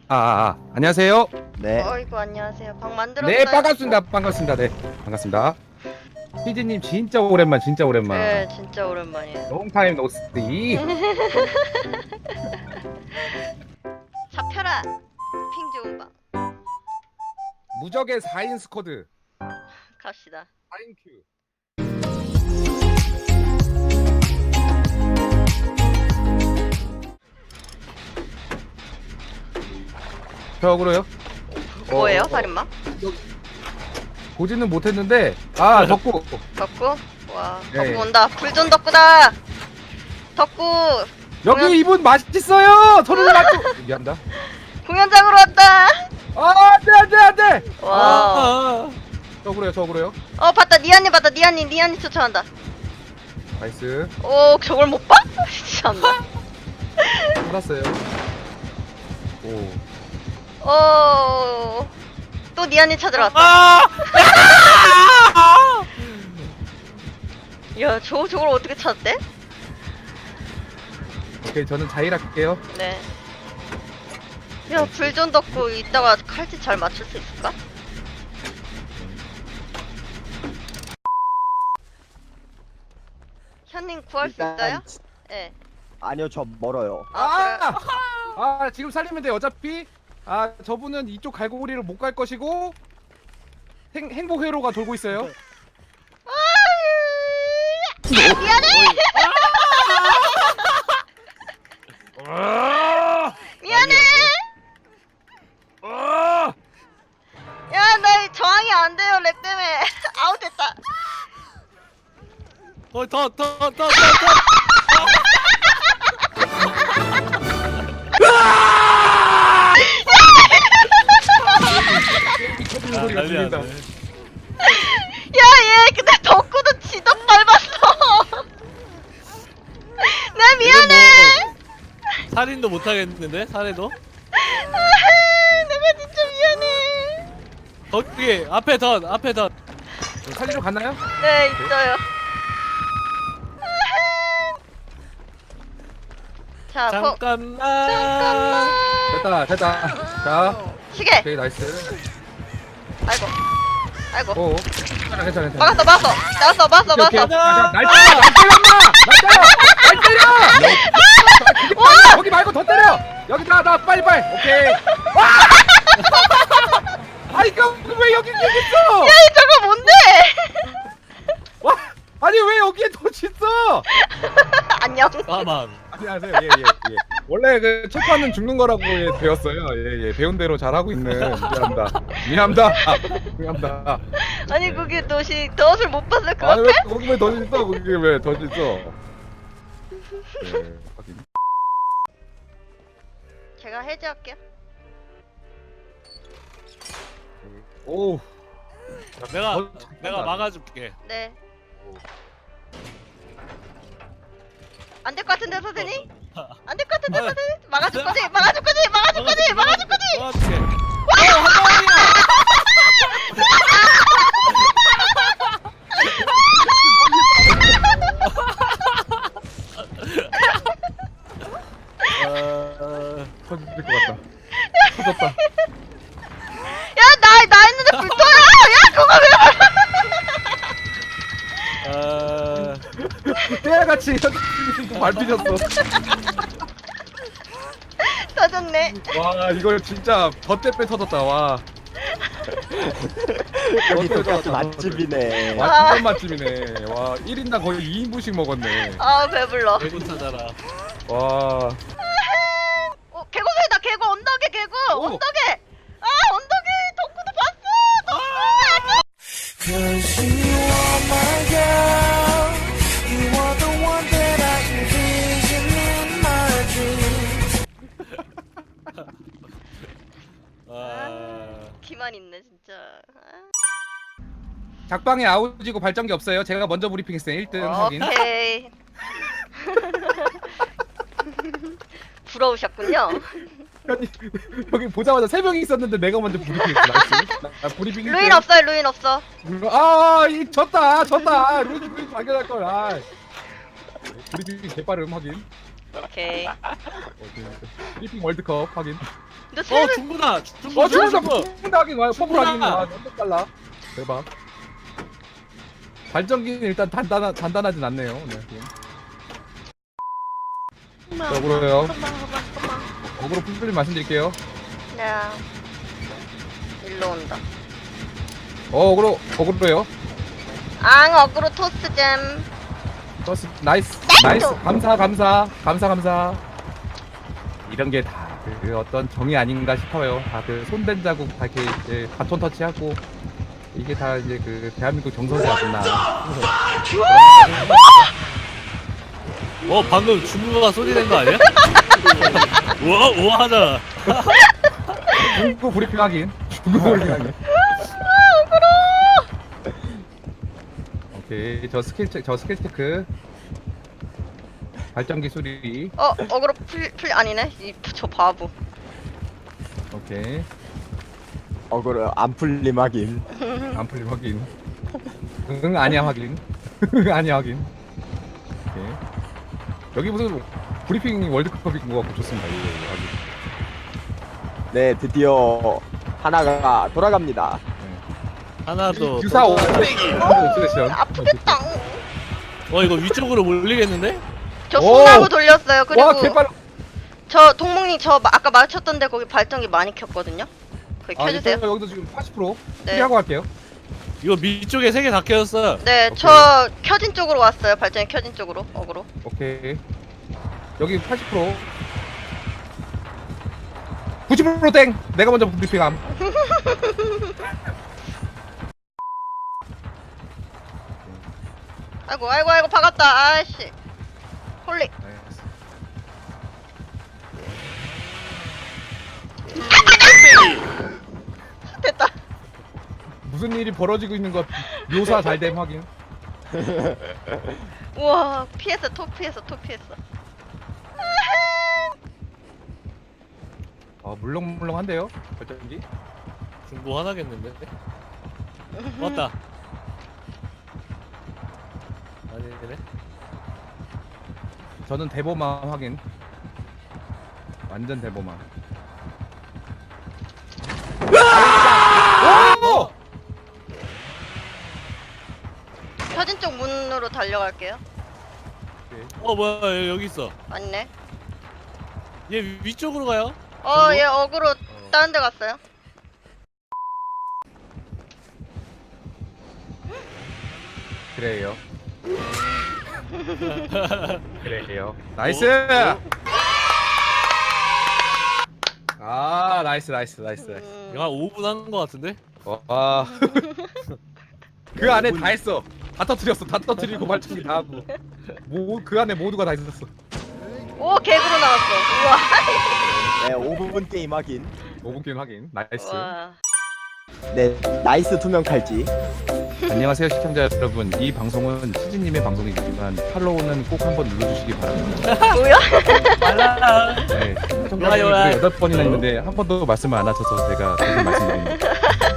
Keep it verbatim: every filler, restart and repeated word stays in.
아, 아, 아. 안녕하세요. 네. 어이구 안녕하세요. 방 만들었어요? 네, 반갑습니다. 반갑습니다. 네, 반갑습니다. 피디님 진짜 오랜만, 진짜 오랜만. 네, 진짜 오랜만이에요. 롱타임 노스티. 잡혀라. 핑 좋은 방. 무적의 사 인 스쿼드. 갑시다. 사 인 큐. 벽으로요? 뭐예요, 어, 살인마? 보지는 못했는데, 아, 덕구. 덕구? 와, 네. 덕구 온다. 불존 덕구다. 덕구 여기 공연- 이분 맛있어요. 손을 맞고. 미안다. 공연장으로 왔다. 아, 안돼, 안돼, 안돼. 와. 아, 저그래요, 저그래요. 어 봤다. 니안니 봤다. 니안니 니안니 쫓아간다. 나이스. 오 저걸 못 봐? 참나. 살았어요. 오. 오. 또 니안니 찾으러 왔다. 아! 야, 저 저걸 어떻게 찾대? 오케이, 저는 자일할게요. 네. 야, 불존 덕구 이따가 칼집 잘 맞출 수 있을까? 현님 구할 수 있어요? 네. 아니요, 저 멀어요. 아, 그래. 아, 아, 지금 살리면 돼. 어차피 아, 저분은 이쪽 갈고리를 못 갈 것이고 행, 행복 회로가 돌고 있어요. 미안해. 아! 미안해. 아! 야, 나 저항이 안 돼요. 렉 때문에. 아웃됐다. 어, 더, 더, 더, 더, 더. 터지는 소리가 들린다. 야, 얘 근데 덕구도 지덕 밟았어. 나 미안해. 살인도 못 하겠는데? 살해도? 내가 진짜 미안해. 거기 앞에 덧 앞에 덧. 살리러 갔나요? 네, 있어요. 자, 거, 잠깐만. 잠깐만. 됐다, 됐다. 자, 시계. 오케이, 나이스. 아이고. 아이고. 오, 괜찮아, 괜찮아, 괜찮아. 막았어, 막았어. 막았어, 막았어, 오케이, 오케이. 막았어. 자, 자, 날 때려, 날 때려, 엄마! 날 때려, 날 때려. 거기 말고, 거기 말고 더 때려. 여기 나, 나 빨리 빨리. 오케이. 와! 아, 이거 왜 여기 여기 있어? 야, 저거 뭔데? 와, 아니 왜 여기에 더 있어? 안녕. 사망. 안녕하세요. 예, 예, 예. 원래 그 초파는 죽는 거라고 예, 배웠어요. 예, 예. 배운 대로 잘하고 있는 미안합니다. 미안합니다. 아, 미안합니다. 아니, 그게 덫이, 덫을 못 봤을 것 아니 같아? 왜 거기 왜더 있어? 거기 왜더 있어? 예, 확인. 제가 해제할게요. 오, 내가 어, 내가 막아줄게. 네. 안 될 것 같은데, 선생님? 안 될 것 같은데, 아. 선생님? 막아줄 거지? 막아줄 거지? 막아줄 거지? 막아줄 거지? 막아줄게. 어, 한 방이야. 어, 터질 것 같다. 터졌다. 야, 나, 나 있는데 불 떠요! 야, 그거 왜 어, 때야같이 현진이 밟히셨어. 터졌네. 와, 이걸 진짜 덧대빼 터졌다. 와. 여기 어때요, 똑같이 저, 맛집이네. 와, 진짜 맛집이네. 와, 일 인당 거의 이 인분씩 먹었네. 아, 배불러. 대군 찾아라. 와. 어, 개구소리다, 개구, 언덕에 개구! 오. 언덕에! 아, 언덕에 덕구도 봤어! 덕구! Cause you are my girl. You are the one that I envision in my dreams. 아, 기만 있네, 진짜. 아. 작방에 아우지고 발전기 없어요. 제가 먼저 브리핑했어요. 일 등 확인. 오케이. 부러우셨군요. 아니, 여기 보자마자 세 명이 있었는데 내가 먼저 브리핑했어. 나이스. 나, 나 브리핑 일 등. 루인 없어요, 루인 없어. 아, 이 졌다. 졌다. 루이 루이 발견할 걸. 아. 브리핑 개빠름 확인. 오케이. 브리핑 월드컵 확인. 근데 어 세를 중구다. 중구 어 중구 중간다 중구. 중간다 하긴 와요. 퍼플 하긴 중구다. 와. 너무 빨라. 대박. 발전기는 일단 단단하 단단하진 않네요. 네. 자, 어그로요. 어그로 풀풀이 말씀드릴게요. 네. 일로 온다. 어 어그로 어그로요. 앙 어그로 토스잼. 버스 나이스 나이스 감사 감사 감사 감사. 이런 게 다 그 어떤 정이 아닌가 싶어요. 다 그 손댄 자국 다 이렇게 이제 바톤 터치하고 이게 다 이제 그 대한민국 정서지 않나. 어 방금 중구가 소리 낸 거 아니야? 우와 우와 하잖아. 중국 브리핑 하긴. 중국 브리핑 하긴. 오케이 저 스킬 체, 저 스킬 체크. 발전기 수리. 어 어그로 풀 풀 아니네. 이 저 바보. 오케이 어그로 안 풀림 하긴. 안 풀림 확인. 응 아니야 확인. 응 아니야 확인. 오케이 여기 무슨 브리핑 월드컵인 것 같고 좋습니다. 이거 확인. 네, 드디어 하나가 돌아갑니다. 하나도. 유사 옵세션. 아프겠다. 어 이거 위쪽으로 몰리겠는데? 저 오! 소나무 돌렸어요. 그리고 와 개빨. 저 동목님 저 마- 아까 마주쳤던데 거기 발전기 많이 켰거든요. 거기 아 켜주세요. 일단 여기도 지금 팔십 퍼센트 네. 피하고 갈게요. 이거 밑쪽에 세 개 다 켜졌어. 네, 오케이. 저 켜진 쪽으로 왔어요. 발전기 켜진 쪽으로. 어그로. 오케이 여기 팔십 퍼센트. 구십 퍼센트 땡. 내가 먼저 브리핑함. 아이고 아이고 아이고 박았다. 아씨. 홀리. 됐다. 무슨 일이 벌어지고 있는 것 묘사 잘됨 확인. 우와 피했어. 톡 피했어. 톡 피했어. 아 물렁물렁한데요 발전기. 중구 하나겠는데? 왔다. 아니네. 저는 대보만 확인. 완전 대보만. 오! 켜진 쪽 문으로 달려갈게요. 어 뭐야 여기 있어. 맞네. 얘 위- 위쪽으로 가요. 어, 얘 어그로 다른 데 갔어요. 그래요. 그래요. 나이스. 아 나이스 나이스 나이스. 나이스. 음, 이거 한 오 분 한 거 같은데? 와. 그 안에 다 했어. 다 터뜨렸어. 다 터뜨리고 발전기 다 하고. 뭐 그 안에 모두가 다 있었어. 오, 개그로 나왔어. 우와. 네, 오 분 게임 하긴. 오 분 게임 확인. 나이스. 와. 네, 나이스 투명 칼지. 안녕하세요 시청자 여러분. 이 방송은 치즈님의 방송이지만 팔로우는 꼭 한번 눌러주시기 바랍니다. 뭐야? 빨라. 네, 좋아요, 시청자분이 좋아요. 여덟 번이나 있는데 한 번도 말씀을 안 하셔서 제가 계속 말씀드립니다.